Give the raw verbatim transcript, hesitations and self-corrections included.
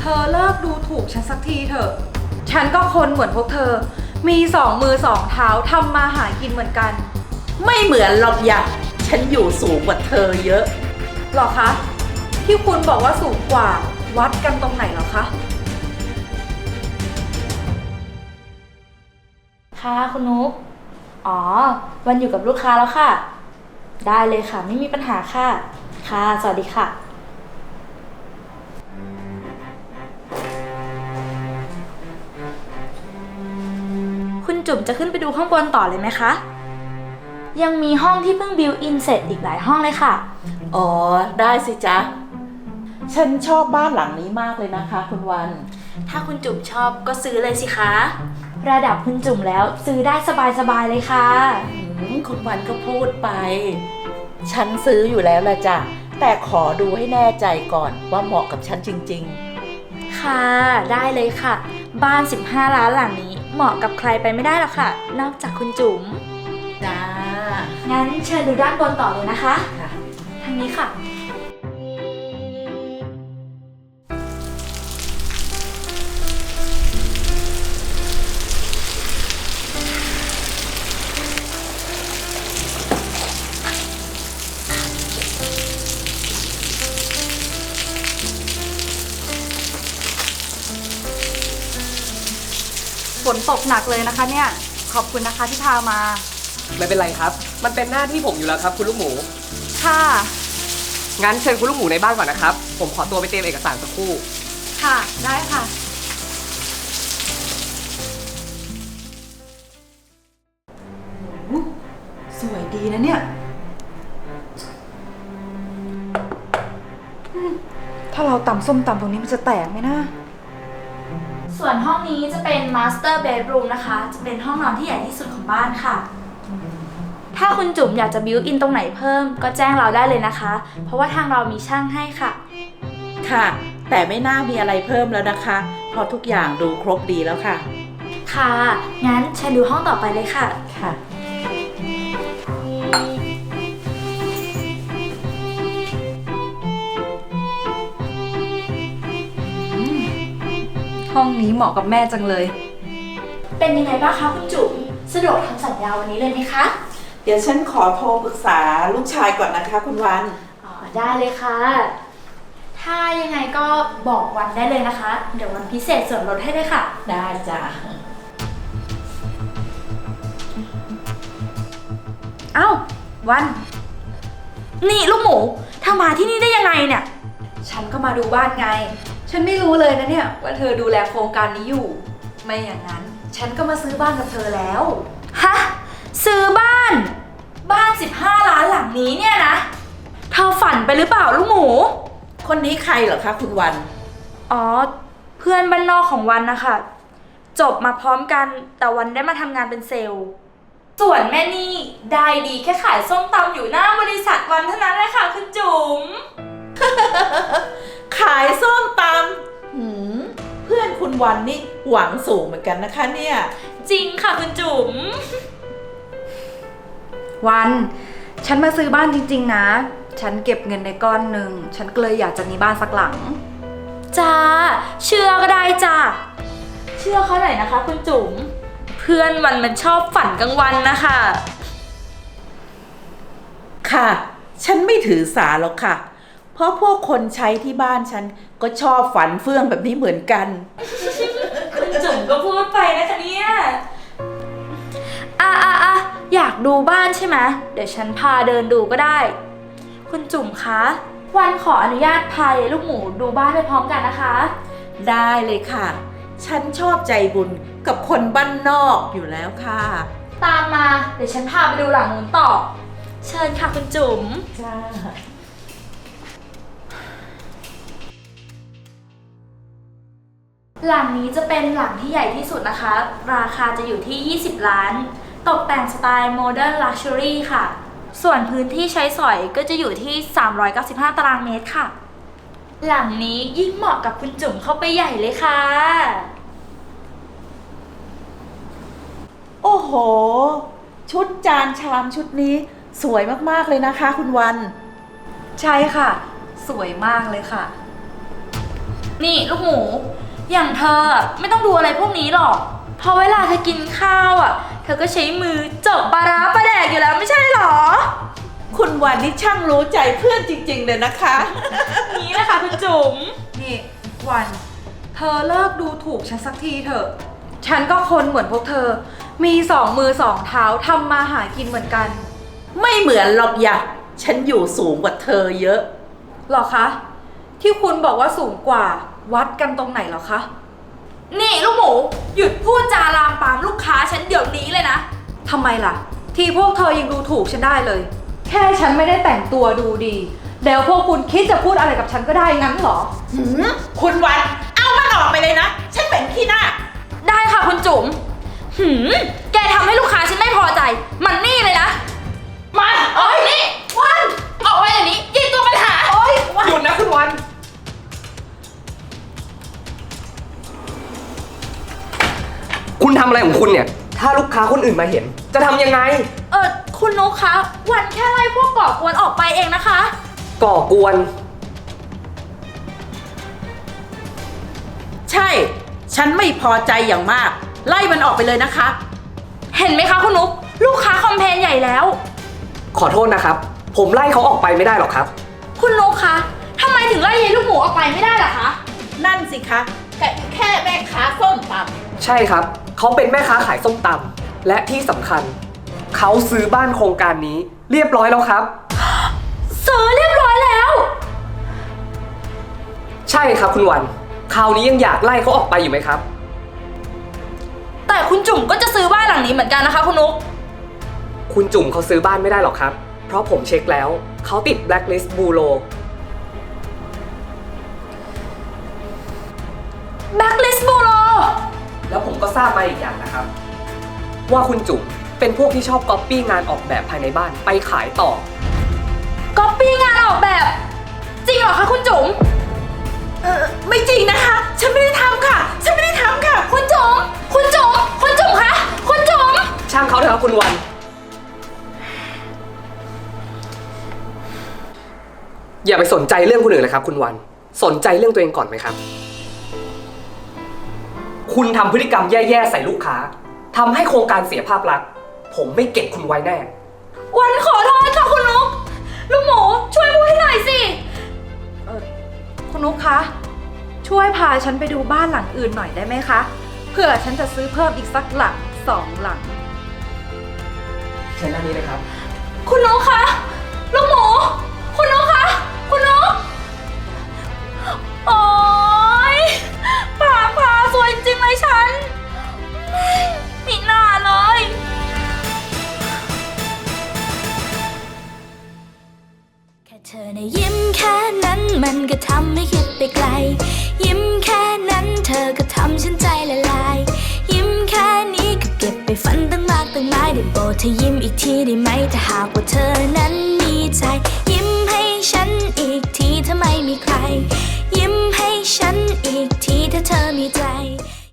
เธอเลิกดูถูกฉันสักทีเถอะ ฉันก็คนเหมือนพวกเธอ มีสองมือสองเท้าทำมาหากินเหมือนกันไม่เหมือนหรอกอยากฉันอยู่สูงกว่าเธอเยอะหรอคะ ที่คุณบอกว่าสูงกว่าวัดกันตรงไหนหรอคะค่ะคุณนุ๊กอ๋อ วันอยู่กับลูกค้าแล้วค่ะ ได้เลยค่ะ ไม่มีปัญหาค่ะ ค่ะ สวัสดีค่ะ คุณจุ๋มจะขึ้นไปดูข้างบนต่อเลยไหมคะ ยังมีห้องที่เพิ่งบิวอินเสร็จอีกหลายห้องเลยค่ะอ๋อ ได้สิจ๊ะ ฉันชอบบ้านหลังนี้มากเลยนะคะคุณวันถ้าคุณจุ๋มชอบก็ซื้อเลยสิคะ ระดับคุณจุ๋มแล้วซื้อได้สบายๆเลยค่ะอืมคุณวันก็พูดไป ฉันซื้ออยู่แล้วละจ้ะ แต่ขอดูให้แน่ใจก่อนว่าเหมาะกับฉันจริงค่ะ ได้เลยค่ะ บ้านสิบห้าล้านหลังนี้เหมาะกับใครไปไม่ได้หรอกค่ะ นอกจากคุณจุ๋มๆ จ้างั้นเชิญดูด้านบนต่อเลยนะคะค่ะทางนี้ค่ะฝนตกหนักเลยนะคะเนี่ย ขอบคุณนะคะที่พามาไม่เป็นไรครับ มันเป็นหน้าที่ผมอยู่แล้วครับคุณลูกหมูค่ะงั้นเชิญคุณลูกหมูในบ้านก่อนนะครับ ผมขอตัวไปเตรียมเอกสารสักครู่ค่ะ ได้ค่ะ สวยดีนะเนี่ย ถ้าเราตำส้มตำตรงนี้มันจะแตกไหมนะส่วนห้องนี้จะเป็น Master Bedroom นะคะ จะเป็นห้องนอนที่ใหญ่ที่สุดของบ้านค่ะ ถ้าคุณจุ๋มอยากจะบิวอินตรงไหนเพิ่มก็แจ้งเราได้เลยนะคะ เพราะว่าทางเรามีช่างให้ค่ะค่ะ แต่ไม่น่ามีอะไรเพิ่มแล้วนะคะ เพราะทุกอย่างดูครบดีแล้วค่ะค่ะ งั้นเชิญดูห้องต่อไปเลยค่ะค่ะห้องนี้เหมาะกับแม่จังเลยเป็นยังไงบ้างคะคุณจุ๋ม สะดวกทำสัญญาวันนี้เลยไหมคะเดี๋ยวฉันขอโทรปรึกษาลูกชายก่อนนะคะคุณวันอ๋อ ได้เลยค่ะ ถ้ายังไงก็บอกวันได้เลยนะคะ เดี๋ยววันพิเศษส่วนลดให้เลยค่ะได้จ้ะเอ้า วันนี่ลูกหมูเธอมาที่นี่ได้ยังไงเนี่ยฉันก็มาดูบ้านไง ฉันไม่รู้เลยนะเนี่ยว่าเธอดูแลโครงการนี้อยู่ ไม่อย่างนั้น ฉันก็มาซื้อบ้านกับเธอแล้วฮะ ซื้อบ้าน บ้านสิบห้าล้านหลังนี้เนี่ยนะ เธอฝันไปหรือเปล่าลูกหมูคนนี้ใครเหรอคะคุณวันอ๋อ เพื่อนบ้านนอกของวันนะคะ จบมาพร้อมกันแต่วันได้มาทำงานเป็นเซลล์ ส่วนแม่นี่ได้ดีแค่ขายส้มตำอยู่หน้าบริษัทวันเท่านั้นแหละค่ะคุณจุ๋มขายส้มตำหืมเพื่อนคุณวันนี่หวังสูงเหมือนกันนะคะเนี่ยจริงค่ะคุณจุ๋มวัน ฉันมาซื้อบ้านจริงๆนะ ฉันเก็บเงินในก้อนหนึ่ง ฉันก็เลยอยากจะมีบ้านสักหลังจ้า เชื่อก็ได้จ้า เชื่อเขาหน่อยนะคะคุณจุ๋ม เพื่อนวันมันชอบฝันกลางวันนะคะค่ะ ฉันไม่ถือสาหรอกค่ะ เพราะพวกคนใช้ที่บ้านฉันก็ชอบฝันเฟื่องแบบนี้เหมือนกันคุณจุ๋มก็พูดไปนะคะเนี่ยอ่ะอ่ะอ่ะอยากดูบ้านใช่ไหม เดี๋ยวฉันพาเดินดูก็ได้ คุณจุ๋มคะ วันขออนุญาตพาลูกหมูดูบ้านไปพร้อมกันนะคะได้เลยค่ะ ฉันชอบใจบุญกับคนบ้านนอกอยู่แล้วค่ะตามมา เดี๋ยวฉันพาไปดูหลังนู้นต่อ เชิญค่ะคุณจุ๋มจ้าหลังนี้จะเป็นหลังที่ใหญ่ที่สุดนะคะ ราคาจะอยู่ที่ ยี่สิบ ล้าน ตกแต่งสไตล์โมเดิร์นลักชัวรี่ค่ะ ส่วนพื้นที่ใช้สอยก็จะอยู่ที่ สามร้อยเก้าสิบห้า ตารางเมตรค่ะ หลังนี้ยิ่งเหมาะกับคุณจุ๋มเข้าไปใหญ่เลยค่ะโอ้โห ชุดจานชามชุดนี้สวยมากๆเลยนะคะคุณวันใช่ค่ะ สวยมากเลยค่ะนี่ลูกหมู อย่างเธออะไม่ต้องดูอะไรพวกนี้หรอก เพราะเวลาเธอกินข้าวอ่ะ เธอก็ใช้มือจกปลาร้าปลาแดกอยู่แล้วไม่ใช่หรอคุณวันนี่ช่างรู้ใจเพื่อนจริงๆเลยนะคะนี้นะคะคุณจุ๋มนี่วัน เธอเลิกดูถูกฉันสักทีเถอะ ฉันก็คนเหมือนพวกเธอ มีสองมือสองเท้าทำมาหากินเหมือนกันไม่เหมือนหรอกอย่าฉันอยู่สูงกว่าเธอเยอะหรอคะ ที่คุณบอกว่าสูงกว่าวัดกันตรงไหนเหรอคะนี่ลูกหมู หยุดพูดจาลามปามลูกค้าฉันเดี๋ยวนี้เลยนะทำไมล่ะ ที่พวกเธอยังดูถูกฉันได้เลย แค่ฉันไม่ได้แต่งตัวดูดีแล้วพวกคุณคิดจะพูดอะไรกับฉันก็ได้งั้นเหรอหืมคุณวัน เอามันออกไปเลยนะ ฉันเป็นขี้หน้าได้ค่ะคุณจุ๋ม หืม แกทำให้ลูกค้าฉันไม่พอใจ มันนี่เลยนะ มันโอ้ยนี่วันออกไปอย่างนี้ยิงตัวปัญหาโอ้ยหยุดนะคุณวัน คุณทำอะไรของคุณเนี่ย ถ้าลูกค้าคนอื่นมาเห็น จะทำยังไงเออคุณนุ๊กคะ วันแค่ไล่พวกก่อกวนออกไปเองนะคะก่อกวนใช่ ฉันไม่พอใจอย่างมาก ไล่มันออกไปเลยนะคะเห็นไหมคะคุณนุ๊ก ลูกค้าคอมเพลนใหญ่แล้วขอโทษนะครับ ผมไล่เขาออกไปไม่ได้หรอกครับคุณนุ๊กคะทำไมถึงไล่ยายลูกหมูออกไปไม่ได้ล่ะคะนั่นสิคะแค่แค่แม่ค้าส้มตใช่ครับ เขาเป็นแม่ค้าขายส้มตำและที่สำคัญ เขาซื้อบ้านโครงการนี้เรียบร้อยแล้วครับซื้อเรียบร้อยแล้วใช่ครับคุณวัน คราวนี้ยังอยากไล่เขาออกไปอยู่ไหมครับแต่คุณจุ๋มก็จะซื้อบ้านหลังนี้เหมือนกันนะคะคุณนุ๊กคุณจุ๋มเขาซื้อบ้านไม่ได้หรอกครับ เพราะผมเช็คแล้ว เขาติด blacklist bureau Blacklist Bureau แล้วผมก็ทราบมาอีกอย่างนะครับ ว่าคุณจุ๋มเป็นพวกที่ชอบก๊อปปี้งานออกแบบภายในบ้านไปขายต่อก๊อปปี้งานออกแบบ จริงเหรอคะคุณจุ๋มำเออไม่จริงนะคะ ฉันไม่ได้ทำค่ะ ฉันไม่ได้ทำค่ะคุณจุ๋ม คุณจุ๋ม คุณจุ๋มคะ คุณจุ๋มช่างเขาเถอะครับคุณวัน อย่าไปสนใจเรื่องคนอื่นเลยครับคุณวัน สนใจเรื่องตัวเองก่อนไหมครับ คุณทำพฤติกรรมแย่ๆใส่ลูกค้าทำให้โครงการเสียภาพลักษณ์ผมไม่เก็บคุณไว้แน่วันขอโทษค่ะคุณนุ๊ก ลูกหมูช่วยพูดให้หน่อยสิเออคุณนุ๊กคะ ช่วยพาฉันไปดูบ้านหลังอื่นหน่อยได้ไหมคะ เผื่อฉันจะซื้อเพิ่มอีกสักหลังสองหลังเชิญด้านนี้เลยครับคุณนุ๊กคะ ลูกหมู คุณนุ๊กคะ คุณนุ๊ก โอ๊ยปากพาสวยจริงเลยฉันไม่น่าเลยแค่เธอในะยิ้มแค่นั้นมันก็ทำให้คิดไปไกล ยิ้มแค่นั้นเธอก็ทำฉันใจละลาย ยิ้มแค่นี้ก็เก็บไปฝันตั้งมากตั้งหลายได้โปรดเธอยิ้มอีกทีได้ไหมถ้าหากว่าเธอนั้น